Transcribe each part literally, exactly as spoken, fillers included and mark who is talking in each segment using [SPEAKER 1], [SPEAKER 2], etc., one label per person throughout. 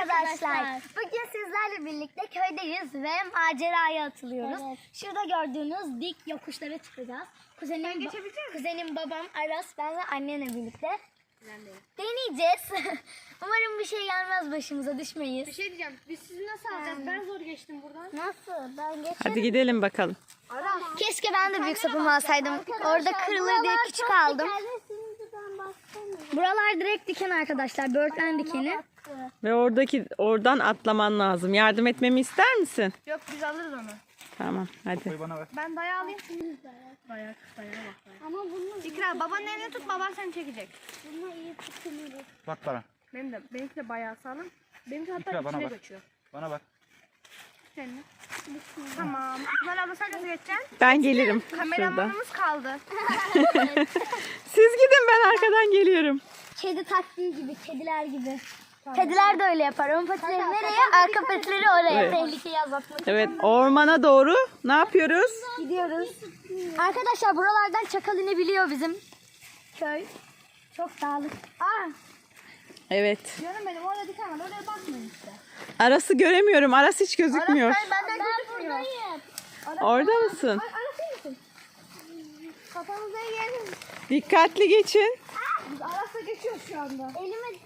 [SPEAKER 1] arkadaşlar. Bugün sizlerle birlikte köydeyiz ve maceraya atılıyoruz. Evet. Şurada gördüğünüz dik yokuşlara çıkacağız. Kuzenim, ba- kuzenim babam, Aras, ben ve annemle birlikte deneyeceğiz. Umarım bir şey gelmez, başımıza düşmeyiz.
[SPEAKER 2] Bir şey diyeceğim. Biz sizi nasıl alacağız? Ben zor geçtim buradan.
[SPEAKER 1] Nasıl? Ben geçerim.
[SPEAKER 3] Hadi gidelim bakalım.
[SPEAKER 2] Aras.
[SPEAKER 1] Keşke ben de büyük sapımı alsaydım. Orada kırılır diye küçük aldım. Buralar direkt diken arkadaşlar. Böğürtlen dikeni.
[SPEAKER 3] Ve oradaki oradan atlaman lazım. Yardım etmemi ister misin?
[SPEAKER 2] Yok biz alırız onu.
[SPEAKER 3] Tamam hadi.
[SPEAKER 4] Bana ver.
[SPEAKER 2] Ben dayağı alayım. Dayak, dayağa bak. Dayak. Ama bunu... İkra babanın elini tut, baban seni çekecek.
[SPEAKER 1] Bunu iyi tutuyoruz.
[SPEAKER 4] Bak bana.
[SPEAKER 2] Benim de, benimki de bayağı sağlam. Benimki hatta
[SPEAKER 4] İkra, bana
[SPEAKER 2] içine
[SPEAKER 4] bak.
[SPEAKER 2] kaçıyor.
[SPEAKER 4] Bana bak.
[SPEAKER 2] Senin. Tamam. İkmal abla sen nasıl geçeceksin?
[SPEAKER 3] Ben gelirim. Şurada.
[SPEAKER 2] Kameramanımız kaldı.
[SPEAKER 3] Siz gidin, ben arkadan geliyorum.
[SPEAKER 1] Kedi taktiği gibi, kediler gibi. Kediler de öyle yapar. Ön patileri nereye? Arka patileri oraya.
[SPEAKER 3] Evet.
[SPEAKER 1] Tehlikeyi azaltmak için.
[SPEAKER 3] Evet, ormana doğru ne yapıyoruz?
[SPEAKER 1] Gidiyoruz. Arkadaşlar buralardan çakal inebiliyor bizim köy. Çok dağlık. Aa,
[SPEAKER 3] Evet.
[SPEAKER 2] Canım benim orada diken var. Oraya bakmayın işte.
[SPEAKER 3] Aras'ı göremiyorum. Aras hiç gözükmüyor.
[SPEAKER 2] Ben, benden
[SPEAKER 1] ben
[SPEAKER 2] gözükmüyor.
[SPEAKER 1] buradayım.
[SPEAKER 3] Orada mısın?
[SPEAKER 2] Ay, Aras iyi misin? Kafamıza gelin.
[SPEAKER 3] Dikkatli geçin.
[SPEAKER 2] Biz Aras'la geçiyoruz şu anda.
[SPEAKER 1] Elime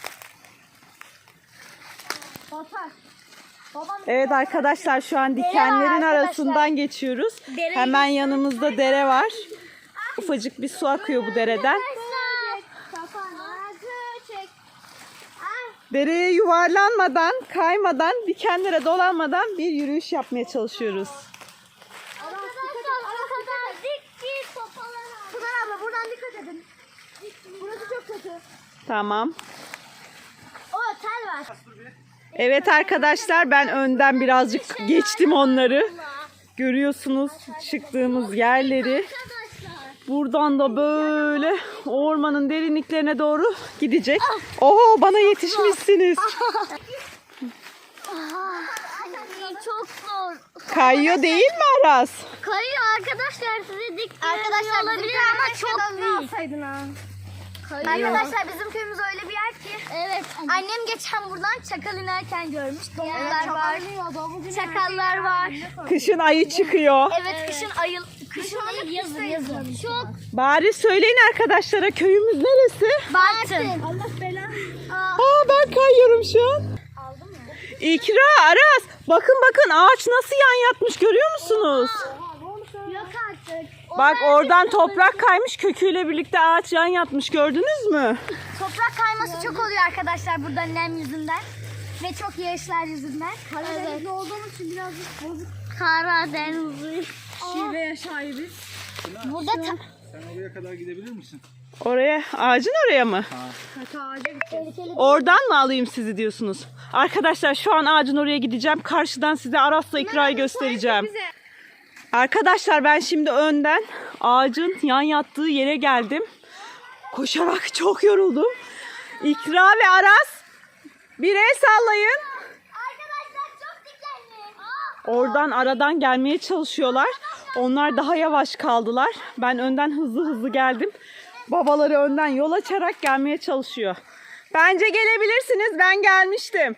[SPEAKER 2] Batar. Babam
[SPEAKER 3] Evet arkadaşlar, şu an dikenlerin
[SPEAKER 1] arkadaşlar.
[SPEAKER 3] arasından geçiyoruz.
[SPEAKER 1] Dereyi
[SPEAKER 3] Hemen yanımızda dere var. Ufacık bir su akıyor bu dereden. Dereye yuvarlanmadan, kaymadan, dikenlere dolanmadan bir yürüyüş yapmaya çalışıyoruz.
[SPEAKER 1] arkadaşlar o kadar dik ki sopalara.
[SPEAKER 2] Pınar abla buradan dikkat edin. Burası çok kötü.
[SPEAKER 3] Tamam.
[SPEAKER 1] O tel var.
[SPEAKER 3] Evet arkadaşlar, ben önden birazcık geçtim onları. Görüyorsunuz çıktığımız yerleri.
[SPEAKER 1] Arkadaşlar.
[SPEAKER 3] Buradan da böyle ormanın derinliklerine doğru gidecek. Oho, bana yetişmişsiniz.
[SPEAKER 1] Ay, çok zor.
[SPEAKER 3] Kayıyor değil mi Aras?
[SPEAKER 1] Kayıyor arkadaşlar, size dik arkadaşlar olabilir ama çok büyük.
[SPEAKER 2] Alsaydın ha.
[SPEAKER 1] Arkadaşlar bizim köyümüz öyle bir yer ki. Evet. Annem geçen buradan çakal inerken görmüş. Domuzlar var. Çakallar var.
[SPEAKER 3] Kışın ayı çıkıyor.
[SPEAKER 1] Evet, kışın ayıl, kışın ayı yazın yazın. Çok
[SPEAKER 3] Bari söyleyin arkadaşlara, köyümüz neresi?
[SPEAKER 1] Bartın.
[SPEAKER 2] Allah belanı.
[SPEAKER 3] Aa, ben kayıyorum şu an.
[SPEAKER 1] Aldın mı?
[SPEAKER 3] İkra, Aras, bakın bakın ağaç nasıl yan yatmış, görüyor musunuz?
[SPEAKER 1] Yok artık.
[SPEAKER 3] Bak oradan toprak kaymış, köküyle birlikte ağaç yan yatmış, gördünüz mü?
[SPEAKER 1] Toprak kayması çok oluyor arkadaşlar burada nem yüzünden. Ve çok yağışlar yüzünden.
[SPEAKER 2] Karadenizli olduğumuz için birazcık bozuk.
[SPEAKER 1] Karadeniz.
[SPEAKER 2] Şiveye sahibiz.
[SPEAKER 1] Burada ta-
[SPEAKER 4] Sen oraya kadar gidebilir misin?
[SPEAKER 3] Oraya, ağacın oraya mı?
[SPEAKER 2] Kata ağaca gideceğiz.
[SPEAKER 3] Oradan mı alayım sizi diyorsunuz? Arkadaşlar şu an ağacın oraya gideceğim. Karşıdan size Aras'la İkra'yı göstereceğim. Arkadaşlar ben şimdi önden ağacın yan yattığı yere geldim. Koşarak çok yoruldum. İkra ve Aras, bir el sallayın.
[SPEAKER 1] Arkadaşlar çok dikenli.
[SPEAKER 3] Oradan aradan gelmeye çalışıyorlar. Onlar daha yavaş kaldılar. Ben önden hızlı hızlı geldim. Babaları önden yol açarak gelmeye çalışıyor. Bence gelebilirsiniz. Ben gelmiştim.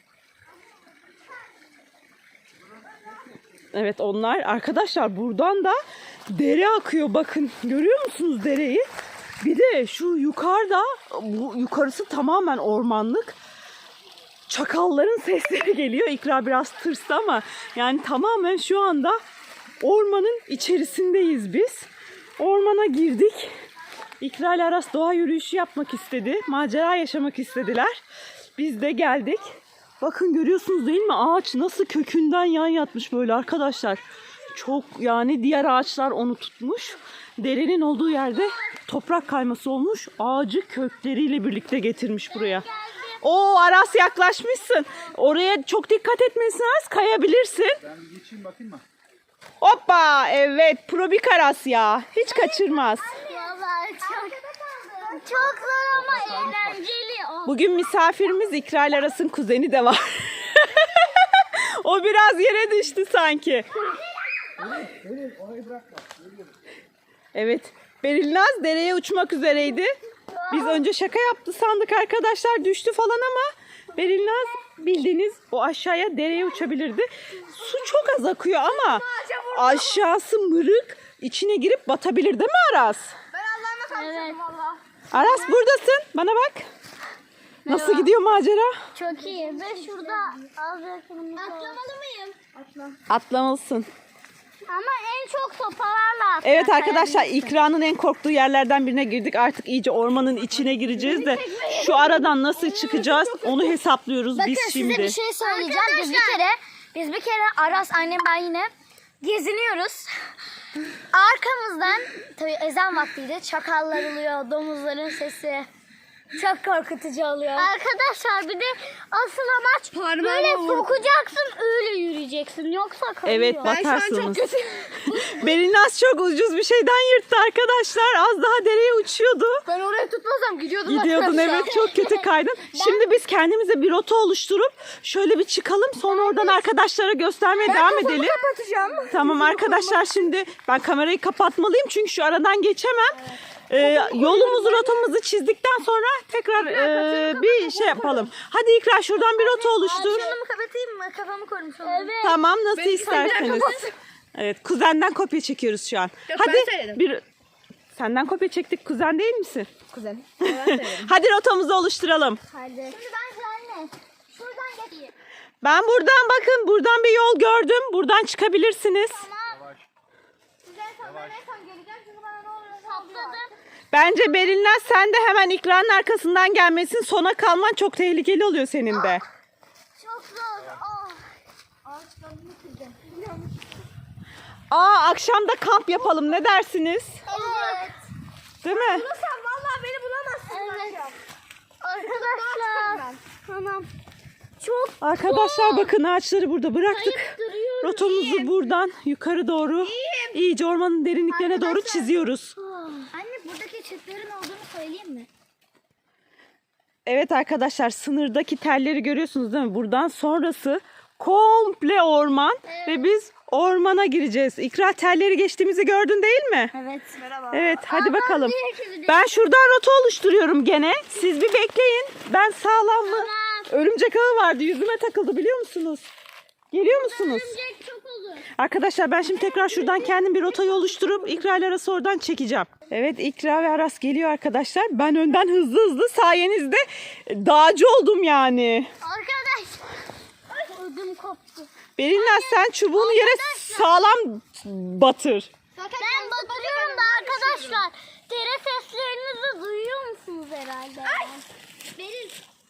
[SPEAKER 3] Evet, onlar arkadaşlar buradan da dere akıyor. Bakın, görüyor musunuz dereyi? Bir de şu yukarıda, bu yukarısı tamamen ormanlık. Çakalların sesleri geliyor. İkra biraz tırstı ama yani tamamen şu anda ormanın içerisindeyiz biz. Ormana girdik. İkra ile Aras doğa yürüyüşü yapmak istedi. Macera yaşamak istediler. Biz de geldik. Bakın, görüyorsunuz değil mi? Ağaç nasıl kökünden yan yatmış böyle arkadaşlar. Çok, yani diğer ağaçlar onu tutmuş. Derenin olduğu yerde toprak kayması olmuş. Ağacı kökleriyle birlikte getirmiş buraya. Oo, Aras yaklaşmışsın. Oraya çok dikkat etmelisin Aras. Kayabilirsin.
[SPEAKER 4] Ben bir geçeyim bakayım mı?
[SPEAKER 3] Hoppa, evet, probik Aras ya. Hiç kaçırmaz.
[SPEAKER 1] Vallahi çok, çok zor ama eğlenceli. Oh.
[SPEAKER 3] Bugün misafirimiz İkra ile Aras'ın kuzeni de var. O biraz yere düştü sanki. Evet, Berilnaz dereye uçmak üzereydi. Biz önce şaka yaptı sandık arkadaşlar, düştü falan ama Berilnaz bildiğiniz o aşağıya dereye uçabilirdi. Su çok az akıyor ama aşağısı mırık, içine girip batabilir değil mi Aras?
[SPEAKER 2] Ben Allah'ıma tanıştım valla.
[SPEAKER 3] Aras buradasın. Bana bak. Nasıl gidiyor macera?
[SPEAKER 1] Çok iyi. Ve şurada az yakınımda. Atlamalı mıyım?
[SPEAKER 2] Atla.
[SPEAKER 3] Atlamalısın.
[SPEAKER 1] Ama en çok sopalarla atlar.
[SPEAKER 3] Evet arkadaşlar, İkra'nın en korktuğu yerlerden birine girdik. Artık iyice ormanın içine gireceğiz de şu aradan nasıl çıkacağız onu hesaplıyoruz
[SPEAKER 1] Bakın
[SPEAKER 3] biz
[SPEAKER 1] size
[SPEAKER 3] şimdi.
[SPEAKER 1] bir şey söyleyeceğim. Biz bir kere, biz bir kere Aras, annem, ben yine geziniyoruz. Arkamızdan tabii ezan vaktiydi. Çakallar oluyor, domuzların sesi. Çok korkutucu oluyor. Arkadaşlar bir de asıl amaç böyle sokacaksın, öyle yürüyeceksin. Yoksa kalıyor.
[SPEAKER 3] Evet, batarsınız. Belinaz çok ucuz bir şeyden yırttı arkadaşlar. Az daha dereye uçuyordu.
[SPEAKER 2] Ben orayı tutmasam gidiyordum.
[SPEAKER 3] Gidiyordun
[SPEAKER 2] arkadaşlar.
[SPEAKER 3] evet, çok kötü kaydın. Şimdi biz kendimize bir rota oluşturup şöyle bir çıkalım. Sonra oradan arkadaşlara göstermeye devam edelim.
[SPEAKER 2] Kapatacağım.
[SPEAKER 3] Tamam arkadaşlar, şimdi ben kamerayı kapatmalıyım çünkü şu aradan geçemem. Ee, yolumuzu, rotamızı çizdikten sonra tekrar e, bir şey yapalım. Hadi İkra, şuradan bir rota oluştur.
[SPEAKER 1] Şunu kapatayım mı? Kafamı korumuş olurum. Evet.
[SPEAKER 3] Tamam, nasıl isterseniz. Evet, kuzenden kopya çekiyoruz şu an.
[SPEAKER 2] Yok,
[SPEAKER 3] Hadi
[SPEAKER 2] ben söyledim.
[SPEAKER 3] bir senden kopya çektik, kuzen değil misin?
[SPEAKER 2] Kuzen. Ben söyledim.
[SPEAKER 3] Hadi rotamızı oluşturalım.
[SPEAKER 1] Hadi. Şimdi ben anne. Şuradan geçeyim.
[SPEAKER 3] Ben buradan, bakın buradan bir yol gördüm. Buradan çıkabilirsiniz.
[SPEAKER 1] Tamam. Güzel, sen ben en son geleceğim. Çünkü bana ne oluyor? Sapladım.
[SPEAKER 3] Bence Berilnaz, sen de hemen İkra'nın arkasından gelmesin. Sona kalman çok tehlikeli oluyor senin de.
[SPEAKER 1] Çok zor. Oh. Ağaçlarını kırdım.
[SPEAKER 3] Aa, akşam da kamp yapalım, ne dersiniz?
[SPEAKER 1] Evet.
[SPEAKER 3] Değil mi?
[SPEAKER 2] Sen vallahi beni bulamazsın.
[SPEAKER 1] Evet. Arkadaşlar. Tamam. Çok
[SPEAKER 3] Arkadaşlar bakın, ağaçları burada bıraktık.
[SPEAKER 1] kayıp duruyorum.
[SPEAKER 3] Rotamızı buradan yukarı doğru, iyice ormanın derinliklerine doğru
[SPEAKER 1] Arkadaşlar.
[SPEAKER 3] çiziyoruz.
[SPEAKER 1] Anne, buradaki çiftlerin olduğunu söyleyeyim mi?
[SPEAKER 3] Evet arkadaşlar, sınırdaki telleri görüyorsunuz değil mi? Buradan sonrası komple orman ve biz ormana gireceğiz. İkra, telleri geçtiğimizi gördün değil mi?
[SPEAKER 1] Evet.
[SPEAKER 2] Merhaba.
[SPEAKER 3] Evet, hadi bakalım.
[SPEAKER 1] herkesi
[SPEAKER 3] Ben şuradan rota oluşturuyorum gene. Siz bir bekleyin. Ben sağlam mı? Örümcek ağı vardı, yüzüme takıldı, biliyor musunuz? Geliyor musunuz?
[SPEAKER 1] Örümcek çok olur.
[SPEAKER 3] Arkadaşlar ben şimdi tekrar şuradan kendim bir rotayı oluşturup İkra ile Aras'ı oradan çekeceğim. Evet, İkra ve Aras geliyor arkadaşlar. Ben önden hızlı hızlı sayenizde dağcı oldum yani.
[SPEAKER 1] Arkadaş. Ödüm koptu.
[SPEAKER 3] Belinaz, sen çubuğunu yere sağlam batır.
[SPEAKER 1] Ben batırıyorum da arkadaşlar. Dere seslerinizi duyuyor musunuz herhalde? Ay. Beril.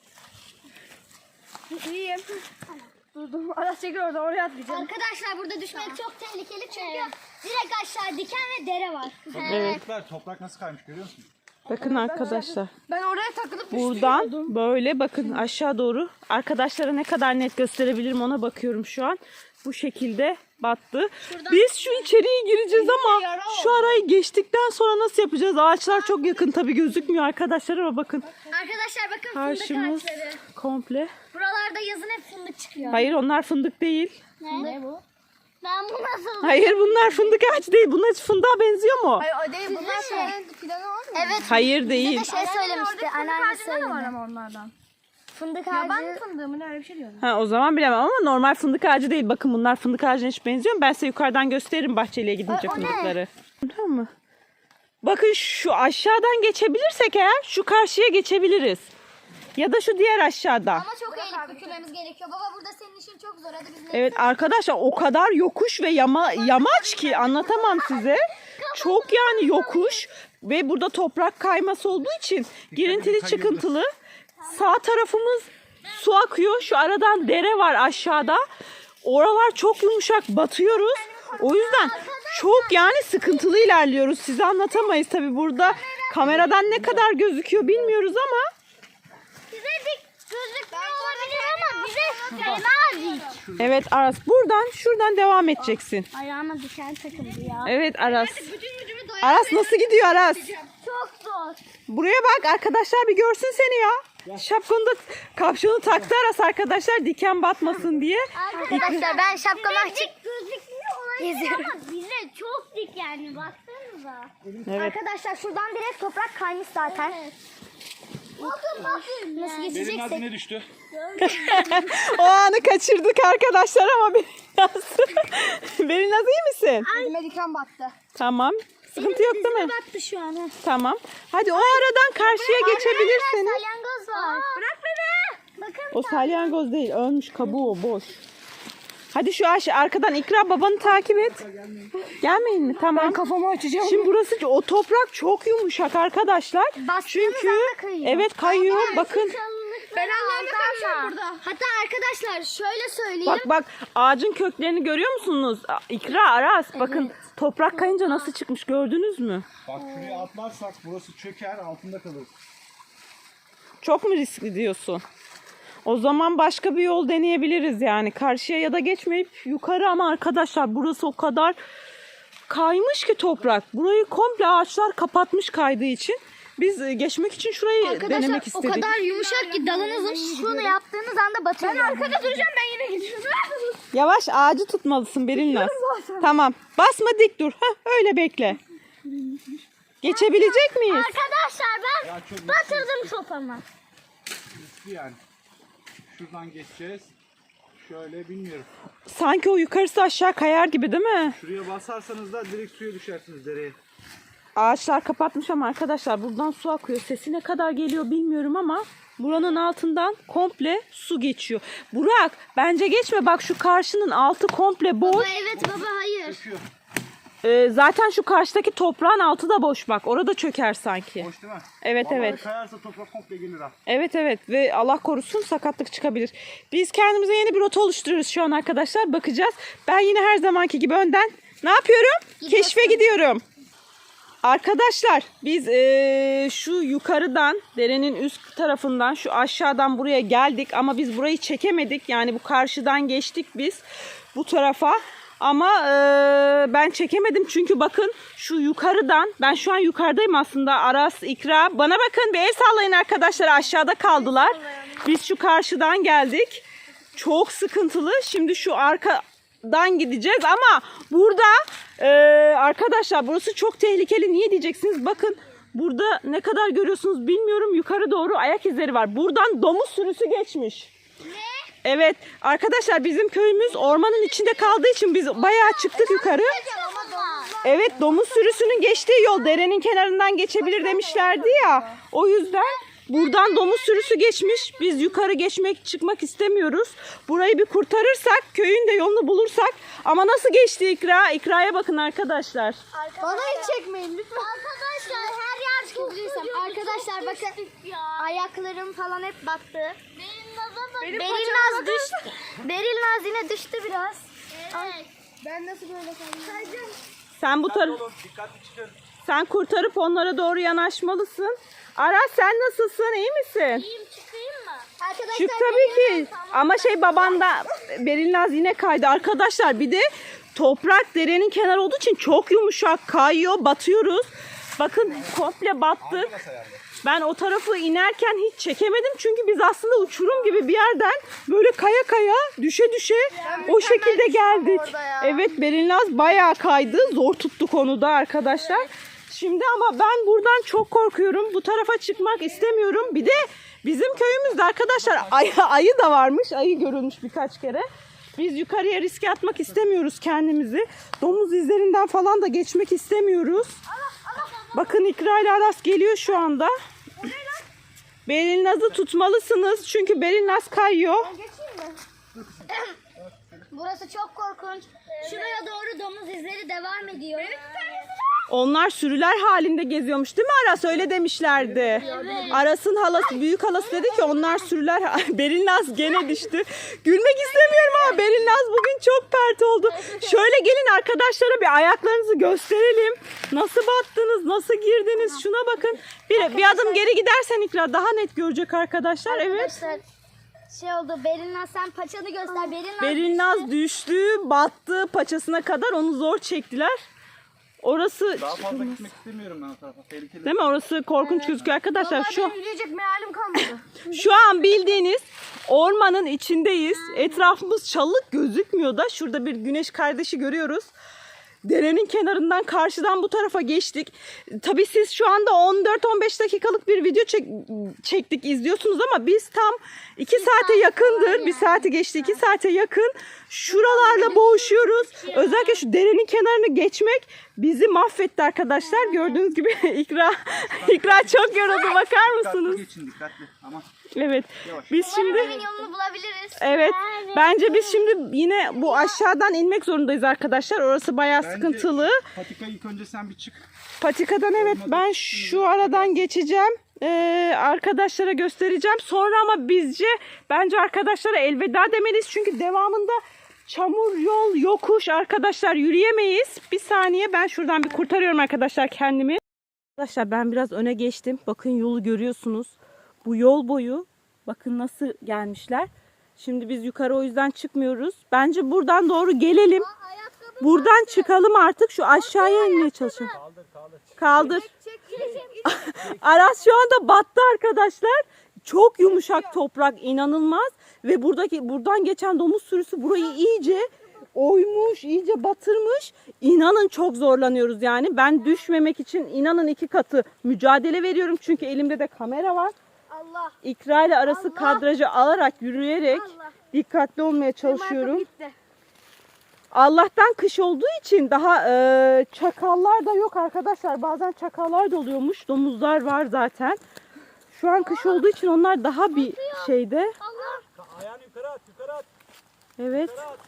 [SPEAKER 2] İyiyim. Durdum. Aras çekil orada, oraya atlayacağım.
[SPEAKER 1] Arkadaşlar burada düşmek çok tehlikeli çünkü direkt aşağı diken ve dere var.
[SPEAKER 3] Evet.
[SPEAKER 4] Toprak, toprak nasıl kaymış görüyor musun?
[SPEAKER 3] Bakın arkadaşlar.
[SPEAKER 2] Ben oraya takılıp
[SPEAKER 3] Buradan böyle bakın aşağı doğru. Arkadaşlara ne kadar net gösterebilirim ona bakıyorum şu an. Bu şekilde battı. Biz şu içeriye gireceğiz ama şu arayı geçtikten sonra nasıl yapacağız? Ağaçlar çok yakın, tabii gözükmüyor arkadaşlar ama bakın.
[SPEAKER 1] Arkadaşlar bakın fındık
[SPEAKER 3] Karşımız
[SPEAKER 1] ağaçları.
[SPEAKER 3] komple.
[SPEAKER 1] Buralarda yazın hep fındık çıkıyor.
[SPEAKER 3] Hayır, onlar fındık değil.
[SPEAKER 1] Ne? bu? Ben bu nasıl?
[SPEAKER 3] Hayır, bunlar fındık ağacı değil. Bunlar fındığa benziyor mu?
[SPEAKER 2] Hayır o değil. Bunlar senin fidanı olmuyor.
[SPEAKER 1] Evet.
[SPEAKER 3] Hayır değil.
[SPEAKER 1] Bir şey söylemişti. Anneanne söyledi.
[SPEAKER 2] var ama onlardan.
[SPEAKER 1] Fındık
[SPEAKER 2] Ya ben
[SPEAKER 1] ağacı.
[SPEAKER 2] fındığı mı ne öyle bir şey diyorum.
[SPEAKER 3] Ha, o zaman bilemem ama normal fındık ağacı değil. Bakın bunlar fındık ağacına hiç benziyor mu? Ben size yukarıdan gösteririm bahçeliye gidince
[SPEAKER 1] Ay, o ne?
[SPEAKER 3] fındıkları. Tamam mı? Bakın şu aşağıdan geçebilirsek eğer şu karşıya geçebiliriz. Ya da şu diğer aşağıda.
[SPEAKER 1] Ama çok eğilip bükülmemiz gerekiyor. Baba burada senin işin çok zor. Hadi biz ne?
[SPEAKER 3] Evet arkadaşlar, o kadar yokuş ve yama, yamaç ki anlatamam size. Çok yani yokuş ve burada toprak kayması olduğu için girintili çıkıntılı. Sağ tarafımız su akıyor. Şu aradan dere var aşağıda. Oralar çok yumuşak, batıyoruz. O yüzden çok yani sıkıntılı ilerliyoruz. Size anlatamayız tabii, burada kameradan ne kadar gözüküyor bilmiyoruz ama.
[SPEAKER 1] Size dik gözükmüyor olabilir ama bize fena dik.
[SPEAKER 3] Evet Aras, buradan şuradan devam edeceksin.
[SPEAKER 1] Ayağıma diken takıldı ya.
[SPEAKER 3] Evet Aras.
[SPEAKER 2] Bütün gücümü doyar.
[SPEAKER 3] Aras nasıl gidiyor Aras?
[SPEAKER 1] Çok zor.
[SPEAKER 3] Buraya bak, arkadaşlar bir görsün seni ya. Şapkanı da, kapşonu taktı Aras arkadaşlar, diken batmasın diye.
[SPEAKER 1] Arkadaşlar ben şapkamı açık gözükmüyor olabilir ama bize çok dik yani, baksanıza.
[SPEAKER 3] Evet.
[SPEAKER 1] Arkadaşlar şuradan direkt toprak kaymış zaten. Nasıl
[SPEAKER 4] Benim
[SPEAKER 1] geçeceksek.
[SPEAKER 4] nazine düştü.
[SPEAKER 3] O anı kaçırdık arkadaşlar ama Berinaz. Berinaz iyi misin?
[SPEAKER 2] Elime diken battı.
[SPEAKER 3] Tamam. Sıkıntı yok değil mi?
[SPEAKER 1] Baktı şu an. ha.
[SPEAKER 3] Tamam. Hadi o aradan karşıya geçebilirsiniz.
[SPEAKER 1] Salyangoz var. Bırak beni. Bakın.
[SPEAKER 3] O salyangoz değil. Ölmüş kabuğu o, boş. Hadi şu aşağı arkadan İkra babanı takip et. Gelmeyin mi? Tamam.
[SPEAKER 2] Kafamı açacağım.
[SPEAKER 3] Şimdi burası o toprak çok yumuşak arkadaşlar.
[SPEAKER 1] Bastığımız
[SPEAKER 3] Çünkü
[SPEAKER 1] anda kayıyor.
[SPEAKER 3] evet kayıyor. Bakın.
[SPEAKER 1] Ben Allah'ımla karşıyım burada. Hatta arkadaşlar şöyle söyleyeyim.
[SPEAKER 3] Bak bak ağacın köklerini görüyor musunuz? İkra, Aras bakın toprak kayınca nasıl çıkmış gördünüz mü?
[SPEAKER 4] Bak şuraya atlarsak burası çöker, altında kalır.
[SPEAKER 3] Çok mu riskli diyorsun? O zaman başka bir yol deneyebiliriz yani. Karşıya ya da geçmeyip yukarı ama arkadaşlar burası o kadar kaymış ki toprak. Burayı komple ağaçlar kapatmış kaydığı için. Biz e, geçmek için şurayı
[SPEAKER 1] Arkadaşlar
[SPEAKER 3] denemek
[SPEAKER 1] o
[SPEAKER 3] istedik.
[SPEAKER 1] kadar yumuşak ki dalınızın şunu yaptığınız anda batıyor. Ben arkada duracağım, ben yine gidiyorum.
[SPEAKER 3] Yavaş ağacı tutmalısın Berinaz. Tamam. Basma dik dur. Heh, öyle bekle. Geçebilecek miyiz?
[SPEAKER 1] Arkadaşlar ben
[SPEAKER 4] Ya çok
[SPEAKER 1] batırdım sopamı.
[SPEAKER 4] riskli yani. Şuradan geçeceğiz. Şöyle bilmiyorum.
[SPEAKER 3] Sanki o yukarısı aşağı kayar gibi değil mi?
[SPEAKER 4] Şuraya basarsanız da direkt suya düşersiniz dereye.
[SPEAKER 3] Ağaçlar kapatmış ama arkadaşlar buradan su akıyor. Sesi ne kadar geliyor bilmiyorum ama buranın altından komple su geçiyor. Burak bence geçme, bak şu karşının altı komple boş.
[SPEAKER 1] Baba evet baba hayır.
[SPEAKER 4] Çöküyor.
[SPEAKER 3] Ee, zaten şu karşıdaki toprağın altı da boş bak. Orada çöker sanki.
[SPEAKER 4] Boş değil mi?
[SPEAKER 3] Evet
[SPEAKER 4] Vallahi
[SPEAKER 3] evet.
[SPEAKER 4] kayarsa toprak komple gelir ha.
[SPEAKER 3] Evet evet ve Allah korusun sakatlık çıkabilir. Biz kendimize yeni bir rota oluşturuyoruz şu an arkadaşlar. Bakacağız. Ben yine her zamanki gibi önden ne yapıyorum? Keşfe gidiyorum. Arkadaşlar biz eee, şu yukarıdan derenin üst tarafından şu aşağıdan buraya geldik ama biz burayı çekemedik. Yani bu karşıdan geçtik biz bu tarafa. Ama eee, ben çekemedim çünkü bakın şu yukarıdan, ben şu an yukarıdayım aslında. Aras, İkra, bana bakın bir el sallayın arkadaşlar, aşağıda kaldılar. Biz şu karşıdan geldik. Çok sıkıntılı. Şimdi şu arkadan gideceğiz ama burada eee, arkadaşlar burası çok tehlikeli. Niye diyeceksiniz? Bakın burada ne kadar görüyorsunuz bilmiyorum. Yukarı doğru ayak izleri var. Buradan domuz sürüsü geçmiş. Evet arkadaşlar bizim köyümüz ormanın içinde kaldığı için biz bayağı çıktık yukarı. Evet domuz sürüsünün geçtiği yol derenin kenarından geçebilir demişlerdi ya. O yüzden buradan domuz sürüsü geçmiş. Biz yukarı geçmek çıkmak istemiyoruz. Burayı bir kurtarırsak köyün de yolunu bulursak. Ama nasıl geçti İkra? İkra'ya bakın arkadaşlar.
[SPEAKER 2] Bana hiç çekmeyin lütfen.
[SPEAKER 1] Arkadaşlar her yer çok güzel. Arkadaşlar bakın ayaklarım falan hep battı.
[SPEAKER 2] Benim
[SPEAKER 1] Berinaz düştü. Berinaz yine düştü biraz.
[SPEAKER 2] Ben nasıl böyle kaldım?
[SPEAKER 3] Sen bu taraf
[SPEAKER 4] Oğlum dikkatli çıkın.
[SPEAKER 3] sen kurtarıp onlara doğru yanaşmalısın. Aras sen nasılsın? İyi misin?
[SPEAKER 1] İyiyim, çıkayım mı? Arkadaşlar
[SPEAKER 3] Çık tabii ki. Ama şey baban da Berinaz yine kaydı. Arkadaşlar bir de toprak derenin kenarı olduğu için çok yumuşak kayıyor. Batıyoruz. Bakın komple battık. Ben o tarafı inerken hiç çekemedim. Çünkü biz aslında uçurum gibi bir yerden böyle kaya kaya düşe düşe o şekilde geldik. Evet Berinaz bayağı kaydı. Zor tuttuk onu da arkadaşlar. Şimdi ama ben buradan çok korkuyorum. Bu tarafa çıkmak istemiyorum. Bir de bizim köyümüzde arkadaşlar ayı, ayı da varmış. Ayı görülmüş birkaç kere. Biz yukarıya riske atmak istemiyoruz kendimizi. Domuz izlerinden falan da geçmek istemiyoruz. Bakın İkra ile Aras geliyor şu anda. Berinaz'ı tutmalısınız. Çünkü Berinaz kayıyor.
[SPEAKER 1] Burası çok korkunç. Şuraya doğru domuz izleri devam ediyor.
[SPEAKER 3] Onlar sürüler halinde geziyormuş değil mi Aras? Öyle demişlerdi. Aras'ın halası, büyük halası dedi ki onlar sürüler. Berinaz gene düştü. Gülmek istemiyorum ama Berinaz bugün çok pert oldu. Şöyle gelin arkadaşlara bir ayaklarınızı gösterelim. Nasıl battınız, nasıl girdiniz? Şuna bakın. Bir, bir adım geri gidersen İkra daha net görecek arkadaşlar. Evet.
[SPEAKER 1] Arkadaşlar şey oldu. Berinaz sen paçanı göster. Berinaz.
[SPEAKER 3] Berinaz düştü, battı paçasına kadar onu zor çektiler. Orası
[SPEAKER 4] Daha fazla gitmek istemiyorum ben o tarafa. Tehlikeli.
[SPEAKER 3] değil mi? Orası korkunç gözüküyor arkadaşlar. Şu
[SPEAKER 2] Benim yürüyecek mealim kalmadı.
[SPEAKER 3] şu an bildiğiniz ormanın içindeyiz. Etrafımız çalılık gözükmüyor da şurada bir güneş kardeşi görüyoruz. derenin kenarından karşıdan bu tarafa geçtik. Tabii siz şu anda on dört on beş dakikalık bir video çek, çektik izliyorsunuz ama biz tam iki saate yakındır. Bir saati geçti, iki saate yakın. Şuralarla boğuşuyoruz. Özellikle şu derenin kenarını geçmek bizi mahvetti arkadaşlar. Gördüğünüz gibi İkra, İkra çok yoruldu. Bakar mısınız?
[SPEAKER 4] Dikkatli geçin dikkatli. Ama
[SPEAKER 3] Evet. Biz şimdi
[SPEAKER 1] Evin yolunu bulabiliriz.
[SPEAKER 3] evet. Bence biz şimdi yine bu aşağıdan inmek zorundayız arkadaşlar. Orası bayağı
[SPEAKER 4] bence
[SPEAKER 3] sıkıntılı.
[SPEAKER 4] patika ilk önce sen bir çık.
[SPEAKER 3] Patikadan evet ben şu aradan geçeceğim. Ee, arkadaşlara göstereceğim. Sonra ama bizce bence arkadaşlara elveda demeliyiz. Çünkü devamında çamur, yol, yokuş arkadaşlar yürüyemeyiz. Bir saniye ben şuradan bir kurtarıyorum arkadaşlar kendimi. Arkadaşlar ben biraz öne geçtim. Bakın yolu görüyorsunuz. Bu yol boyu bakın nasıl gelmişler. Şimdi biz yukarı o yüzden çıkmıyoruz. Bence buradan doğru gelelim. Buradan çıkalım artık. Şu aşağıya inmeye çalışalım. Kaldır kaldır. Kaldır. Aras şu anda battı arkadaşlar. Çok yumuşak toprak, inanılmaz. Ve buradaki buradan geçen domuz sürüsü burayı iyice oymuş, iyice batırmış. İnanın çok zorlanıyoruz yani. Ben düşmemek için inanın iki katı mücadele veriyorum. Çünkü elimde de kamera var.
[SPEAKER 1] Allah.
[SPEAKER 3] İkra ile arası
[SPEAKER 1] Allah.
[SPEAKER 3] kadrajı alarak yürüyerek
[SPEAKER 1] Allah.
[SPEAKER 3] dikkatli olmaya çalışıyorum. Allah'tan kış olduğu için daha e, çakallar da yok arkadaşlar. Bazen çakallar da oluyormuş. Domuzlar var zaten. Şu an kış olduğu için onlar daha bir şeyde.
[SPEAKER 1] Allah.
[SPEAKER 4] Ayağını yukarı at yukarı at.
[SPEAKER 3] Evet.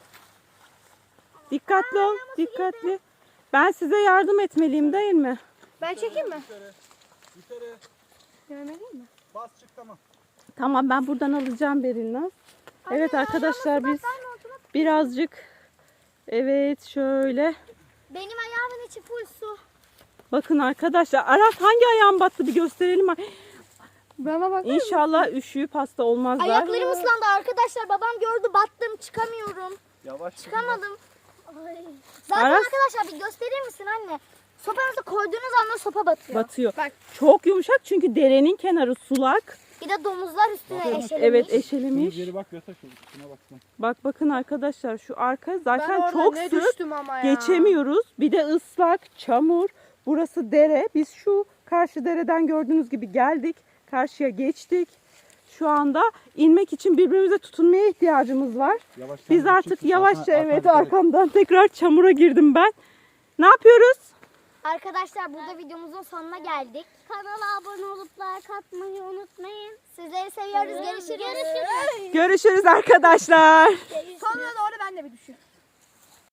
[SPEAKER 3] Dikkatli ol. Dikkatli. Ben size yardım etmeliyim değil mi?
[SPEAKER 2] Ben çekeyim mi?
[SPEAKER 4] Yukarı. Yukarı.
[SPEAKER 2] Görmeliyim mi?
[SPEAKER 4] Bas çık tamam.
[SPEAKER 3] Tamam ben buradan alacağım Berinaz. Evet arkadaşlar biz birazcık evet şöyle.
[SPEAKER 1] Benim ayağımın içi full su.
[SPEAKER 3] Bakın arkadaşlar Aras hangi ayağın battı bir gösterelim.
[SPEAKER 2] Bana bak.
[SPEAKER 3] İnşallah üşüyüp hasta olmazlar.
[SPEAKER 1] Ayaklarım ıslandı arkadaşlar. Babam gördü battım çıkamıyorum.
[SPEAKER 4] Yavaş.
[SPEAKER 1] Çıkamadım. Zaten
[SPEAKER 3] Aras-
[SPEAKER 1] arkadaşlar bir gösterir misin anne? Sopanızı koyduğunuz anda sopa batıyor.
[SPEAKER 3] Batıyor.
[SPEAKER 2] Bak.
[SPEAKER 3] Çok yumuşak çünkü derenin kenarı sulak.
[SPEAKER 1] Bir de domuzlar üstüne eşelemiş.
[SPEAKER 3] Evet
[SPEAKER 4] Şunu
[SPEAKER 3] eşelemiş.
[SPEAKER 4] geri bak yasa şunu. Şuna baksana.
[SPEAKER 3] Bak bakın arkadaşlar şu arka
[SPEAKER 2] Ben
[SPEAKER 3] zaten
[SPEAKER 2] orada
[SPEAKER 3] çok
[SPEAKER 2] ne
[SPEAKER 3] sık.
[SPEAKER 2] düştüm ama ya.
[SPEAKER 3] Geçemiyoruz. Bir de ıslak, çamur. Burası dere. Biz şu karşı dereden gördüğünüz gibi geldik. Karşıya geçtik. Şu anda inmek için birbirimize tutunmaya ihtiyacımız var.
[SPEAKER 4] Yavaş,
[SPEAKER 3] Biz
[SPEAKER 4] sen
[SPEAKER 3] artık
[SPEAKER 4] çık,
[SPEAKER 3] yavaşça
[SPEAKER 4] arkana-
[SPEAKER 3] evet
[SPEAKER 4] arkana dikkat et.
[SPEAKER 3] arkamdan tekrar çamura girdim ben. Ne yapıyoruz?
[SPEAKER 1] Arkadaşlar burada videomuzun sonuna geldik. Kanala abone olup like atmayı unutmayın. Sizleri seviyoruz. Görüşürüz. Görüşürüz.
[SPEAKER 3] Görüşürüz arkadaşlar.
[SPEAKER 2] Sonra doğru ben de bir düşün.